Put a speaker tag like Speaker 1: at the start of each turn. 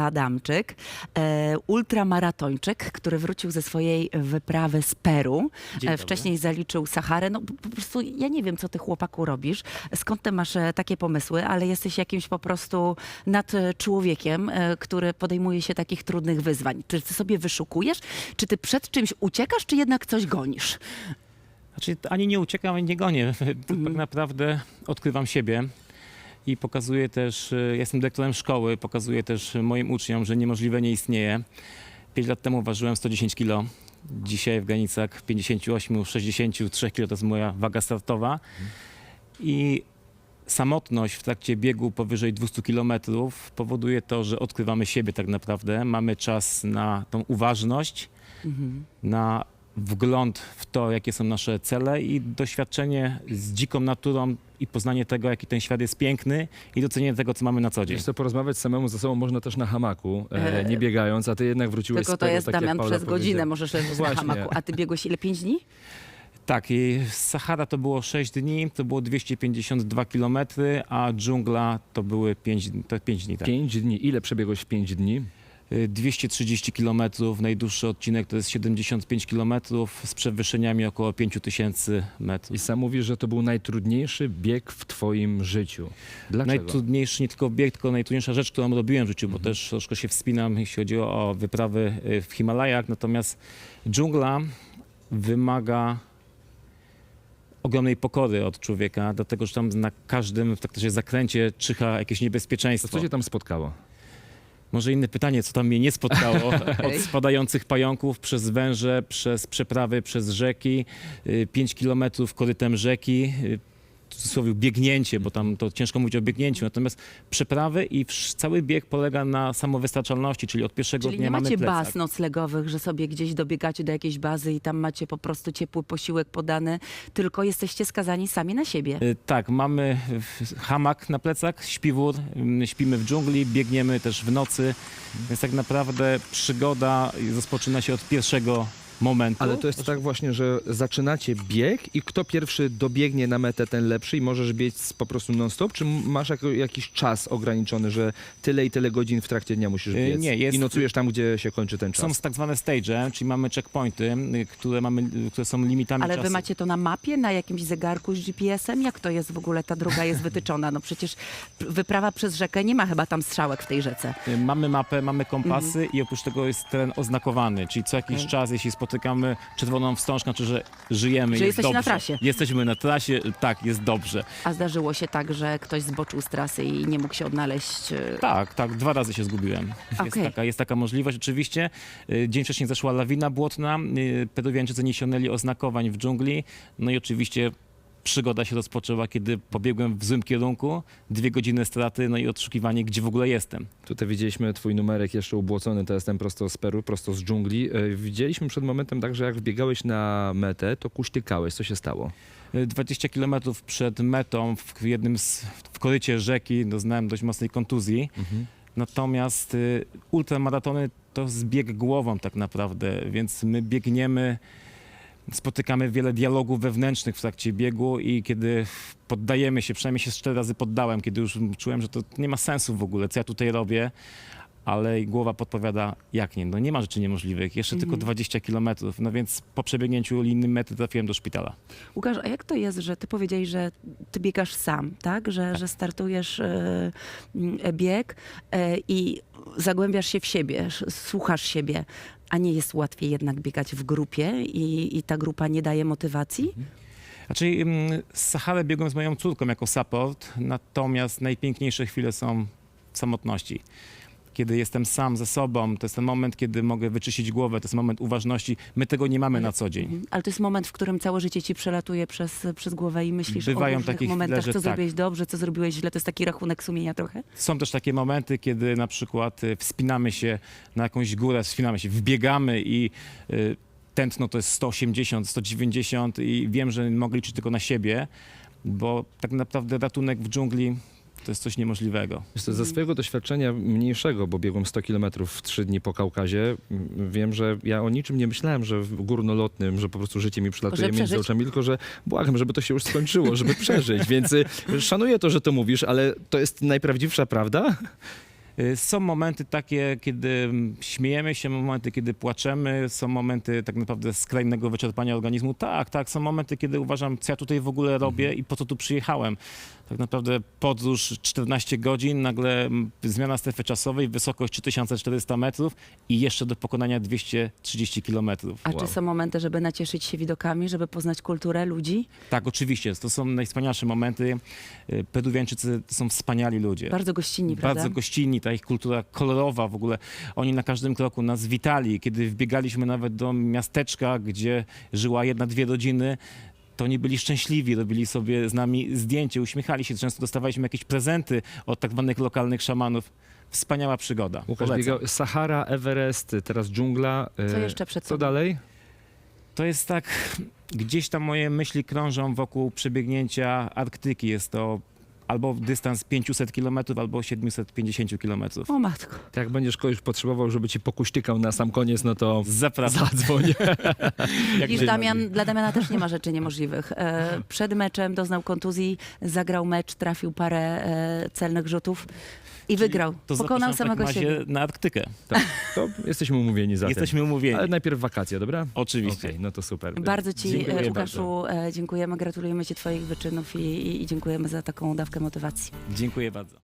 Speaker 1: Adamczyk, ultramaratończyk, który wrócił ze swojej wyprawy z Peru.
Speaker 2: Dzień dobry.
Speaker 1: Wcześniej zaliczył Saharę. No po prostu ja nie wiem, co ty, chłopaku, robisz, skąd ty masz takie pomysły, ale jesteś jakimś po prostu nad człowiekiem, który podejmuje się takich trudnych wyzwań. Czy ty sobie wyszukujesz? Czy ty przed czymś uciekasz, czy jednak coś gonisz?
Speaker 2: Znaczy, ani nie uciekam, ani nie gonię. Tak naprawdę odkrywam siebie i pokazuję też, jestem dyrektorem szkoły, pokazuję też moim uczniom, że niemożliwe nie istnieje. 5 lat temu ważyłem 110 kg. Dzisiaj w granicach 58-63 kg to jest moja waga startowa. I samotność w trakcie biegu powyżej 200 km powoduje to, że odkrywamy siebie tak naprawdę. Mamy czas na tą uważność, na wgląd w to, jakie są nasze cele i doświadczenie z dziką naturą i poznanie tego, jaki ten świat jest piękny i docenienie tego, co mamy na co dzień.
Speaker 3: Wiesz co, porozmawiać samemu ze sobą można też na hamaku, nie biegając, a ty jednak wróciłeś
Speaker 1: Tylko
Speaker 3: z
Speaker 1: to
Speaker 3: tego,
Speaker 1: jest,
Speaker 3: tak jak
Speaker 1: Damian,
Speaker 3: Paula
Speaker 1: przez godzinę
Speaker 3: powiedziała.
Speaker 1: możesz leżeć na
Speaker 3: Właśnie.
Speaker 1: hamaku. A ty biegłeś ile? 5 dni?
Speaker 2: Tak, i Sahara to było 6 dni, to było 252 km, a dżungla to były 5 dni. Tak.
Speaker 3: 5 dni. Ile przebiegłeś w 5 dni?
Speaker 2: 230 km, najdłuższy odcinek to jest 75 km z przewyższeniami około 5000 metrów.
Speaker 3: I sam mówisz, że to był najtrudniejszy bieg w twoim życiu. Dlaczego?
Speaker 2: Najtrudniejszy nie tylko bieg, tylko najtrudniejsza rzecz, którą robiłem w życiu, bo też troszkę się wspinam, jeśli chodzi o wyprawy w Himalajach. Natomiast dżungla wymaga ogromnej pokory od człowieka, dlatego że tam na każdym w takim zakręcie czyha jakieś
Speaker 3: To
Speaker 2: niebezpieczeństwo.
Speaker 3: co cię tam spotkało?
Speaker 2: Może inne pytanie, co tam mnie nie spotkało? Od spadających pająków, przez węże, przez przeprawy, przez rzeki, 5 kilometrów korytem rzeki, w cudzysłowie biegnięcie, bo tam to ciężko mówić o biegnięciu, natomiast przeprawy i cały bieg polega na samowystarczalności, czyli od pierwszego
Speaker 1: Czyli
Speaker 2: dnia
Speaker 1: nie
Speaker 2: mamy
Speaker 1: macie
Speaker 2: plecak.
Speaker 1: baz noclegowych, że sobie gdzieś dobiegacie do jakiejś bazy i tam macie po prostu ciepły posiłek podany, tylko jesteście skazani sami na siebie.
Speaker 2: Tak, mamy hamak na plecach, śpiwór, śpimy w dżungli, biegniemy też w nocy, więc tak naprawdę przygoda rozpoczyna się od pierwszego momentu.
Speaker 3: Ale to jest tak właśnie, że zaczynacie bieg i kto pierwszy dobiegnie na metę, ten lepszy i możesz biec po prostu non-stop? Czy masz jakiś czas ograniczony, że tyle i tyle godzin w trakcie dnia musisz biec?
Speaker 2: Nie, jest-
Speaker 3: I nocujesz tam, gdzie się kończy ten czas?
Speaker 2: Są tak zwane stage, czyli mamy checkpointy, które są limitami
Speaker 1: Ale
Speaker 2: czasu.
Speaker 1: wy macie to na mapie, na jakimś zegarku z GPS-em? Jak to jest w ogóle, ta droga jest wytyczona? No przecież wyprawa przez rzekę, nie ma chyba tam strzałek w tej rzece.
Speaker 2: Mamy mapę, mamy kompasy i oprócz tego jest teren oznakowany, czyli co jakiś czas, jeśli spotykamy czerwoną wstążkę, znaczy, że żyjemy,
Speaker 1: Że
Speaker 2: jest
Speaker 1: jesteście na
Speaker 2: dobrze.
Speaker 1: trasie.
Speaker 2: Jesteśmy na trasie, tak, jest dobrze.
Speaker 1: A zdarzyło się tak, że ktoś zboczył z trasy i nie mógł się odnaleźć?
Speaker 2: Tak, 2 razy się zgubiłem.
Speaker 1: Okej.
Speaker 2: Jest taka możliwość oczywiście. Dzień wcześniej zeszła lawina błotna, Peruwiańczycy nie ściągnęli oznakowań w dżungli, no i oczywiście przygoda się rozpoczęła, kiedy pobiegłem w złym kierunku, 2 godziny straty, no i odszukiwanie, gdzie w ogóle jestem.
Speaker 3: Tutaj widzieliśmy twój numerek jeszcze ubłocony, to jestem prosto z Peru, prosto z dżungli. Widzieliśmy przed momentem także, jak wbiegałeś na metę, to kuśtykałeś. Co się stało?
Speaker 2: 20 km przed metą w korycie rzeki doznałem dość mocnej kontuzji. Natomiast ultramaratony to zbieg głową tak naprawdę, więc my biegniemy, spotykamy wiele dialogów wewnętrznych w trakcie biegu i kiedy poddajemy się, przynajmniej się 4 razy poddałem, kiedy już czułem, że to nie ma sensu w ogóle, co ja tutaj robię, ale głowa podpowiada, jak nie, no nie ma rzeczy niemożliwych, jeszcze tylko 20 km, no więc po przebiegnięciu linii mety trafiłem do szpitala.
Speaker 1: Łukasz, a jak to jest, że ty powiedziałeś, że ty biegasz sam, tak? Że startujesz bieg i zagłębiasz się w siebie, słuchasz siebie, a nie jest łatwiej jednak biegać w grupie i ta grupa nie daje motywacji?
Speaker 2: Znaczy, Saharę biegłem z moją córką jako support, natomiast najpiękniejsze chwile są w samotności. Kiedy jestem sam ze sobą, to jest ten moment, kiedy mogę wyczyścić głowę, to jest moment uważności. My tego nie mamy na co dzień.
Speaker 1: Ale to jest moment, w którym całe życie ci przelatuje przez głowę i myślisz
Speaker 2: Bywają
Speaker 1: o różnych
Speaker 2: takie chwile,
Speaker 1: momentach,
Speaker 2: że
Speaker 1: co
Speaker 2: tak.
Speaker 1: zrobiłeś dobrze, co zrobiłeś źle. To jest taki rachunek sumienia trochę?
Speaker 2: Są też takie momenty, kiedy na przykład wspinamy się na jakąś górę, wbiegamy i tętno to jest 180, 190 i wiem, że mogę liczyć tylko na siebie, bo tak naprawdę ratunek w dżungli to jest coś niemożliwego.
Speaker 3: Wiesz co, ze swojego doświadczenia mniejszego, bo biegłem 100 km w 3 dni po Kaukazie, wiem, że ja o niczym nie myślałem, że w górnolotnym, że po prostu życie mi przylatuje
Speaker 1: Że
Speaker 3: między
Speaker 1: przeżyć.
Speaker 3: oczami, tylko że błagam, żeby to się już skończyło, żeby przeżyć. Więc szanuję to, że to mówisz, ale to jest najprawdziwsza prawda?
Speaker 2: Są momenty takie, kiedy śmiejemy się, momenty, kiedy płaczemy, są momenty tak naprawdę skrajnego wyczerpania organizmu. Tak, są momenty, kiedy uważam, co ja tutaj w ogóle robię i po co tu przyjechałem. Tak naprawdę podróż 14 godzin, nagle zmiana strefy czasowej, wysokość 3400 metrów i jeszcze do pokonania 230 kilometrów.
Speaker 1: A czy są momenty, żeby nacieszyć się widokami, żeby poznać kulturę ludzi?
Speaker 2: Tak, oczywiście, to są najwspanialsze momenty. Peruwiańczycy to są wspaniali ludzie.
Speaker 1: Bardzo gościnni, prawda?
Speaker 2: Bardzo gościnni, ta ich kultura kolorowa w ogóle. Oni na każdym kroku nas witali. Kiedy wbiegaliśmy nawet do miasteczka, gdzie żyła 1-2 rodziny, to oni byli szczęśliwi, robili sobie z nami zdjęcie, uśmiechali się. Często dostawaliśmy jakieś prezenty od tak zwanych lokalnych szamanów. Wspaniała przygoda.
Speaker 3: Łukasz
Speaker 2: Polecam.
Speaker 3: biegał Sahara, Everest, teraz dżungla.
Speaker 1: Co jeszcze przed
Speaker 3: Co
Speaker 1: tobą?
Speaker 3: dalej?
Speaker 2: To jest tak, gdzieś tam moje myśli krążą wokół przebiegnięcia Arktyki. Jest to albo dystans 500 km, albo 750 km.
Speaker 1: O matko.
Speaker 3: To jak będziesz kogoś potrzebował, żeby ci pokuśtykał na sam koniec, no to
Speaker 2: Zapraszam.
Speaker 3: zadzwoń.
Speaker 2: Jak
Speaker 1: Widzisz,
Speaker 2: najbardziej.
Speaker 1: dla Damiana też nie ma rzeczy niemożliwych. Przed meczem doznał kontuzji, zagrał mecz, trafił parę celnych rzutów i wygrał.
Speaker 2: To
Speaker 1: Pokonał
Speaker 2: zapraszam w takim
Speaker 1: samego
Speaker 2: razie
Speaker 1: siebie.
Speaker 2: na Arktykę.
Speaker 3: Tak, to jesteśmy umówieni za
Speaker 2: Jesteśmy umówieni.
Speaker 3: Ale najpierw wakacje, dobra?
Speaker 2: Oczywiście.
Speaker 3: Okej, no to super.
Speaker 1: Bardzo ci,
Speaker 2: Dziękuję
Speaker 1: Łukaszu, dziękujemy, gratulujemy ci twoich wyczynów i dziękujemy za taką dawkę motywacji.
Speaker 2: Dziękuję bardzo.